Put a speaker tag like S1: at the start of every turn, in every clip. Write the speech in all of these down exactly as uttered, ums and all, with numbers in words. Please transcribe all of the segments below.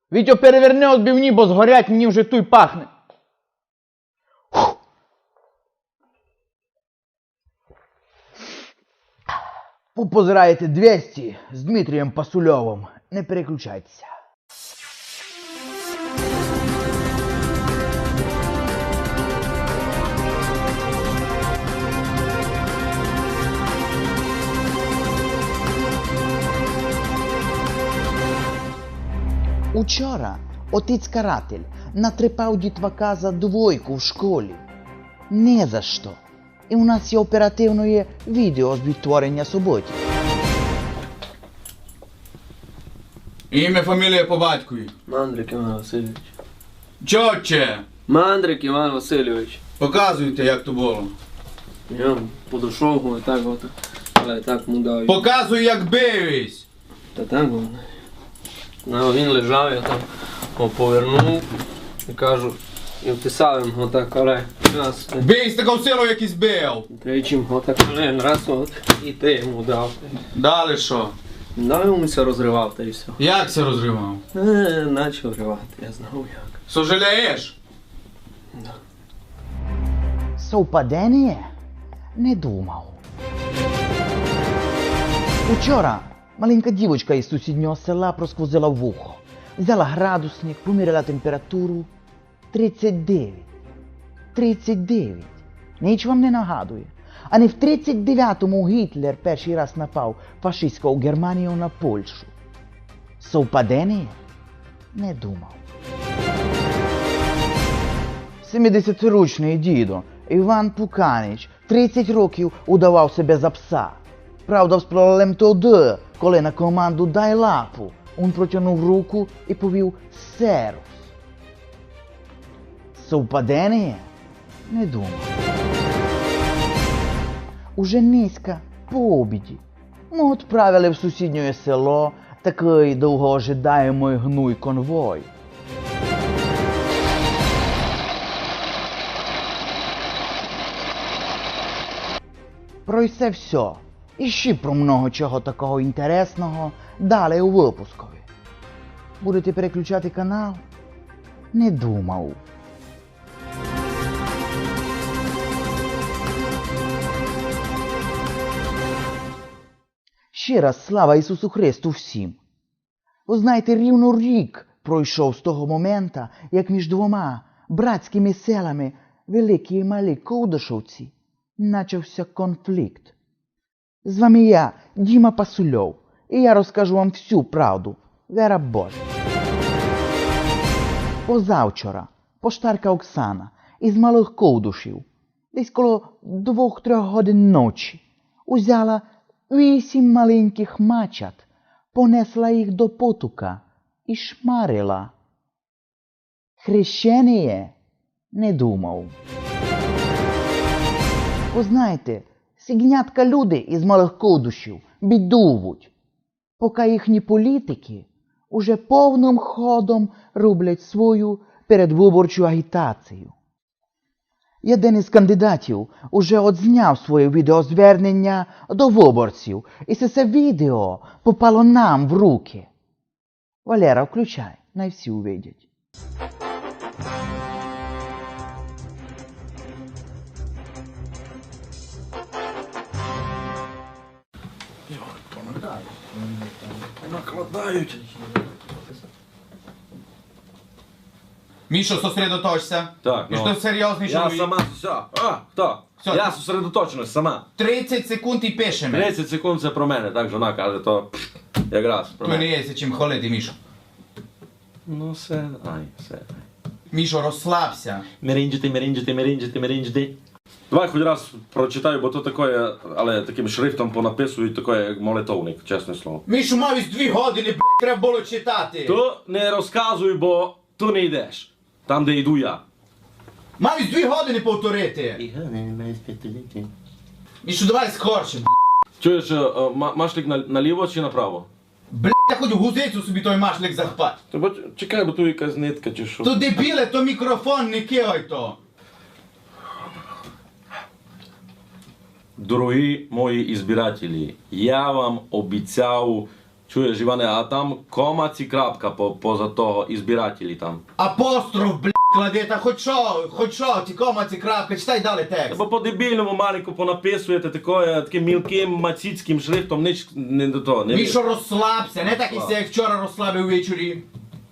S1: Вітьо, переверни отбивні, бо згорять, мені вже туй пахне. Ви позираєте двісті з Дмитрієм Пасульовим. Не переключайтеся. Учора отець-каратель натрепав дітвака за двойку в школі. Не за що. І у нас є оперативне відео з відтворення суботів.
S2: Ім'я, фамілія по батькові.
S3: Мандрик Іван Васильович.
S2: Чотче!
S3: Мандрик Іван Васильович.
S2: Показуйте, як то було.
S3: Я подошов його і так от, але так му дав.
S2: Показуй, як бивись!
S3: Та так воно. Ну, він лежав, я там його повернув і кажу, і вписав йому отак, але раз,
S2: Бий з такою силою, як і збив!
S3: тричі, отак, але раз, от, і ти йому дав.
S2: Далі що?
S3: Дав йому це розривав, та і все.
S2: Як це розривав?
S3: Е, начав ривати, я знав як.
S2: Сожалієш?
S3: Да.
S1: Совпадення? Не думав. Учора маленька дівочка із сусіднього села просквозила вухо. Взяла градусник, поміряла температуру. тридцять дев'ять. тридцять дев'ять. Ніч вам не нагадує. А не в тридцять дев'ятому Гітлер перший раз напав фашистською Германією на Польщу. Совпадення? Не думав. сімдесятирічний дідо Іван Пуканич тридцять років удавав себе за пса. Правда, з проблем тоді, коли на команду «дай лапу» він протягнув руку і повів «серус». Совпадення? Не думав. Уже низько, по обіді, ми відправили в сусіднє село такий довгоожидаємий гнуй конвой. Про це все. І ще про много чого такого інтересного далі у випускові. Будете переключати канал? Не думав. Ще раз слава Ісусу Христу всім. Ви знаєте, рівно рік пройшов з того моменту, як між двома братськими селами Великі і Малі Ковдашовці начався конфлікт. З вами я, Діма Пасульов, і я розкажу вам всю правду, вера Божа. Позавчора поштарка Оксана із Малих Ковдушів, десь коло двох-трьох годин ночі, узяла вісім маленьких мачат, понесла їх до потука і шмарила. Хрещеніє? Не думав. Ви знаєте, сігнятка люди із Малих Ковдушів бідувуть, поки їхні політики уже повним ходом роблять свою передвиборчу агітацію. Один із кандидатів уже одзняв своє відеозвернення до виборців, і це відео попало нам в руки. Валера, включай, най всі увидять.
S4: Накладають.
S2: Мішо, сосредоточся.
S4: Так,
S2: І
S4: ну.
S2: що серйозний
S4: Я
S2: чоловік.
S4: сама, все. А, хто?
S2: Все,
S4: Я
S2: ти-
S4: зосередоточеність сама.
S2: тридцять секунд і пишемо.
S4: тридцять секунд це про мене, так жона каже, то пф, якраз про
S2: То не
S4: мене.
S2: є чим хвалити, Мішо.
S4: Ну все, ай, все.
S2: Мішо, розслабся.
S4: Мерінджити, мерінджити, мерінджити, мерінджити. Давай хоч раз прочитаю, бо то таке, але таким шрифтом понаписують таке, як молитовник, чесне слово.
S2: Мішо, мав із дві години, блядь, треба було читати.
S4: То не розказуй, бо ту не йдеш. Там, де йду я.
S2: Мав із дві години повторити. Мішо, давай скорше, блядь.
S4: Чуєш, е, е, ма- машлик на- наліво чи направо?
S2: Блядь, я хоч в гузицю собі той машлик захпать.
S4: То бо чекай, бо тут якась нитка чи що.
S2: То дебіле, то мікрофон, не кигай то.
S4: Дорогі мої ізбирателі, я вам обіцяв Чуєш, Іване, а там кома ці крапка по, поза того, і збирателі там.
S2: Апостроф, блядь, клади, та хоч що, хоч що, ті кома, ці крапки, читай далі текст.
S4: Бо по-дебільному маленько понаписуєте такое, таким мілким мацицьким шрифтом, ніч не до того. Не
S2: Мішо, розслабся, не так і як вчора розслабив ввечері.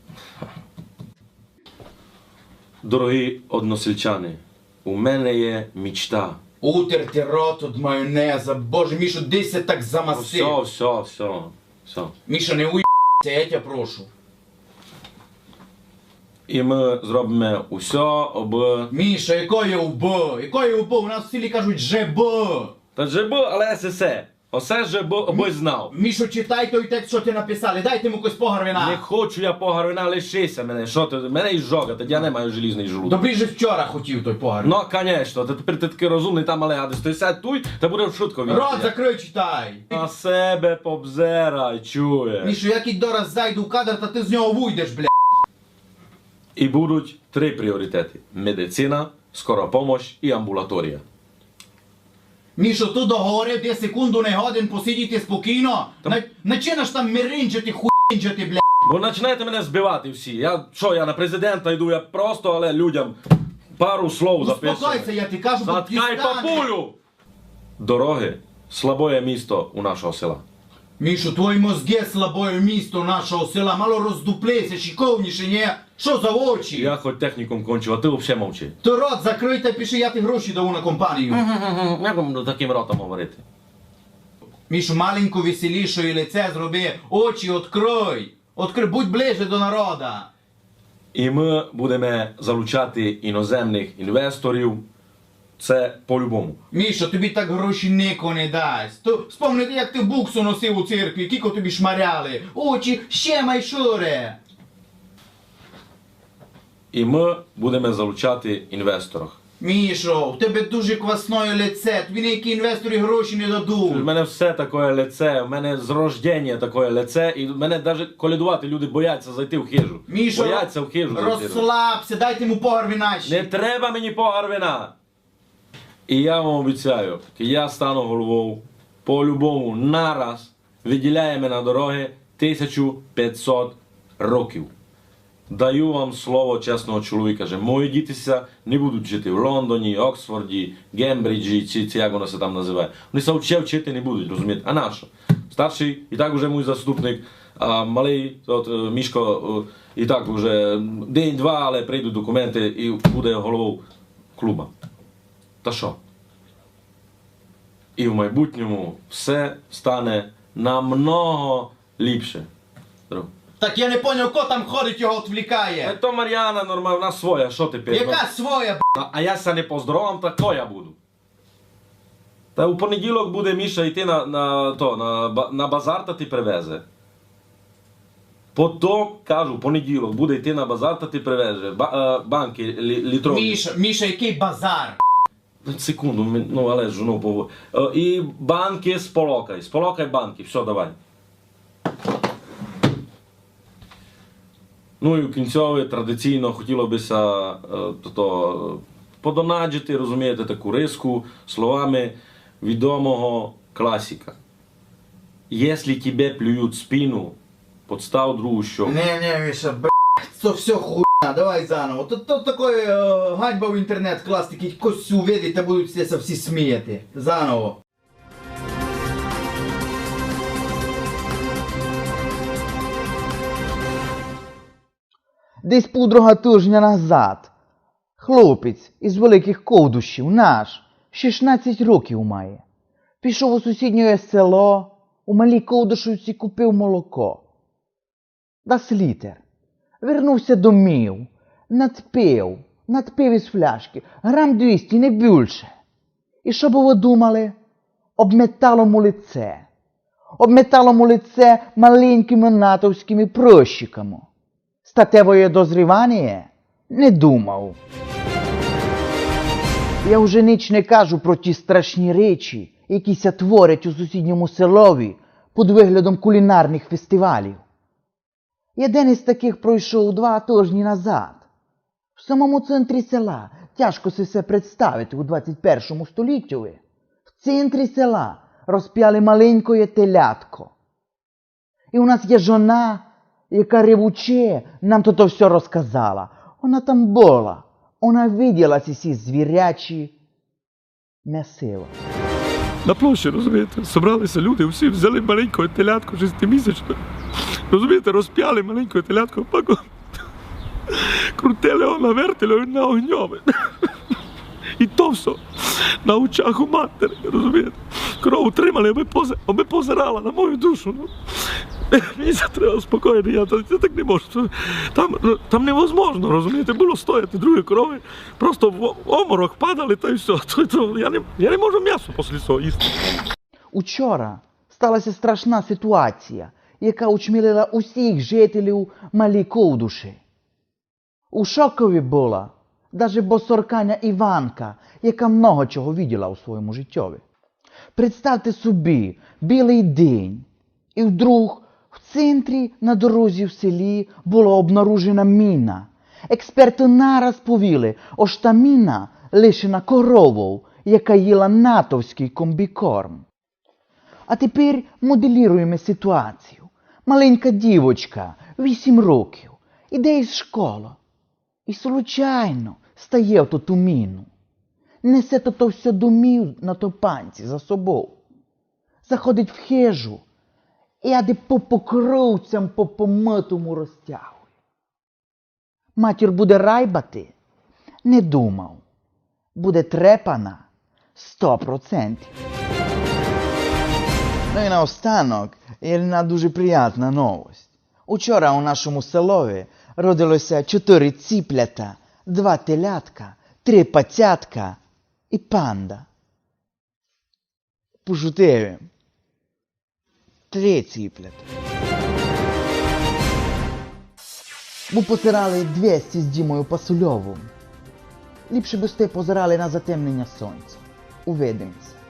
S4: Дорогі односельчани, у мене є мічта.
S2: Утерти рот від майонеза, боже, Мішо, десь я так замасив.
S4: Все, все, все, все.
S2: Міша, не уїбся, я тебе прошу.
S4: І ми зробимо усе, аби...
S2: Міша, якої УБ? Якої УБ? У нас в селі кажуть ЖБ.
S4: Та же бо, але есе. Осе же бо, аби знав.
S2: Мішо, читай той текст, що ти написали, дайте йому якось погарвина.
S4: Не хочу я погарвина, лишися мене. Що ти? Мене і жога, тоді я не маю желізний жлудок.
S2: Добрі же вчора хотів той погарвин.
S4: Ну, конечно, ти тепер ти такий розумний там, але гадиш, ти сядь туй, та буде в шутку він.
S2: Рот закрий, читай.
S4: На себе побзерай, чує.
S2: Мішо, як і дораз зайду в кадр, та ти з нього вийдеш, блядь.
S4: І будуть три пріоритети. Медицина, скора помощь і амбулаторія.
S2: Мішо, ти договорив, ти секунду не годин посидіти спокійно. На, начинаш там миринджити, хуїнджити, блядь.
S4: Бо починаєте мене збивати всі. Я що, я на президента йду, я просто, але людям пару слов записую.
S2: Успокойся, я ти кажу, бо
S4: Заткай
S2: дістане.
S4: папулю! Дороги слабоє місто у нашого села.
S2: Мішо, твої мозги слабое місто нашого села, мало роздуплися, шиковніше, ні? Що за очі?
S4: Я хоч технікум кончив, а ти взагалі мовчи.
S2: Ти рот закрий та пиши, я ти гроші даю на компанію.
S4: Як вам таким ротом говорити?
S2: Мішу, маленьку веселішою лице зроби, очі відкрой. Відкрий, будь ближче до народа.
S4: І ми будемо залучати іноземних інвесторів. Це по-любому.
S2: Мішо, тобі так гроші ніко не дасть. То спомнити, як ти буксу носив у церкві, кіко тобі шмаряли. Очі ще майшуре.
S4: І ми будемо залучати інвесторів.
S2: Мішо, в тебе дуже квасное лице, тобі ніякі інвестори гроші не
S4: У
S2: дадуть.
S4: мене все таке лице, у мене з рождення таке лице, і в мене навіть колядувати люди бояться зайти в хижу.
S2: Мішо,
S4: бояться в хижу зайти.
S2: розслабся, дайте йому погар вінащі.
S4: Не треба мені погар вина. І я вам обіцяю, я стану головою, по-любому, нараз виділяємо на дороги тисячу п'ятсот років. Даю вам слово чесного чоловіка, що мої дітися не будуть жити в Лондоні, Оксфорді, Гембриджі, чи, чи як воно се там називає. Вони се ще вчити не будуть, розумієте? А нащо? Старший і так уже мій заступник, а малий, от, Мішко, і так вже день-два, але прийдуть документи і буде головою клуба. Та що? І в майбутньому все стане намного ліпше. Друг.
S2: Так я не поняв, ко там ходить, його
S4: Та
S2: відвлікає.
S4: то Мар'яна нормальна, вона своя, що ти п'єш?
S2: Яка своя, б***?
S4: А, а я ся не поздоровам, так то я буду. Та у понеділок буде Міша йти на, на, то, на, ба- на базар та ти привезе. Потім, кажу, в понеділок буде йти на базар та ти привезе. Ба, е, банки лі, літрові.
S2: Міша, Міша, який базар?
S4: Секунду, ми- ну але ж, ну, по... Е, і банки сполокай, сполокай банки, все, давай. Ну і в кінцьові традиційно хотіло бися е, то, то, подонаджити, розумієте, таку риску словами відомого класика. Якщо тебе плюють в спину, подстав другу щоку.
S2: Не, не, Міша, б***, це все хуйня, давай заново. Тут, тут такої е, ганьба в інтернет класти, який когось увидить та будуть все всі сміяти. Заново.
S1: Десь півдруга тижня назад хлопець із великих ковдущів, наш, шістнадцять років має, пішов у сусіднє село, у малій ковдушівці купив молоко. Дас літер. Вернувся домів, надпив, надпив із фляшки, грам двісті, не більше. І що б ви думали? Обметало му лице. Обметало му лице маленькими натовськими прощиками. Статевое дозрівання? Не думав. Я вже ніч не кажу про ті страшні речі, які ся творять у сусідньому селові під виглядом кулінарних фестивалів. Один із таких пройшов два тижні назад. В самому центрі села, тяжко си се представити у двадцять першому столітті, в центрі села розп'яли маленькое телятко. І у нас є жона, яка ревуче нам то все розказала. Вона там була. Вона виділа ці всі звірячі м'ясила.
S5: На площі, розумієте, зібралися люди, всі взяли маленького телятку шестимісячне. Розумієте, розп'яли маленького телятку, паку, крутили його, навертили його на огньове. І то все на очах у матері, розумієте. Кров утримали, аби, пози, аби позирала на мою душу. Ну. Мені це треба спокійно, я, я так не можу. Там, там невозможно, розумієте, було стояти другі корови, просто в оморок падали та й все. То, то, я, не, я не можу м'ясо після цього їсти.
S1: Учора сталася страшна ситуація, яка учмілила усіх жителів Малій Ковдуші. У шокові була навіть босорканя Іванка, яка много чого виділа у своєму життєві. Представте собі, білий день, і вдруг в центрі на дорозі в селі була обнаружена міна. Експерти нараз повіли, ось та міна лишена коровою, яка їла натовський комбікорм. А тепер моделіруємо ситуацію. Маленька дівочка, вісім років, іде із школи. І случайно стає в ту міну. Несе то все домів на топанці за собою. Заходить в хижу і ади по покровцям по помитому розтягує. Матір буде райбати? Не думав. Буде трепана сто процентів. Ну і наостанок є одна дуже приятна новость. Учора у нашому селові родилося чотири ціплята, два телятка, три пацятка і панда. Пошутили. Три ціплята. Ми позирали двісті з Дімою Пасульовим. Ліпше би сте позирали на затемнення сонця. Увидимося.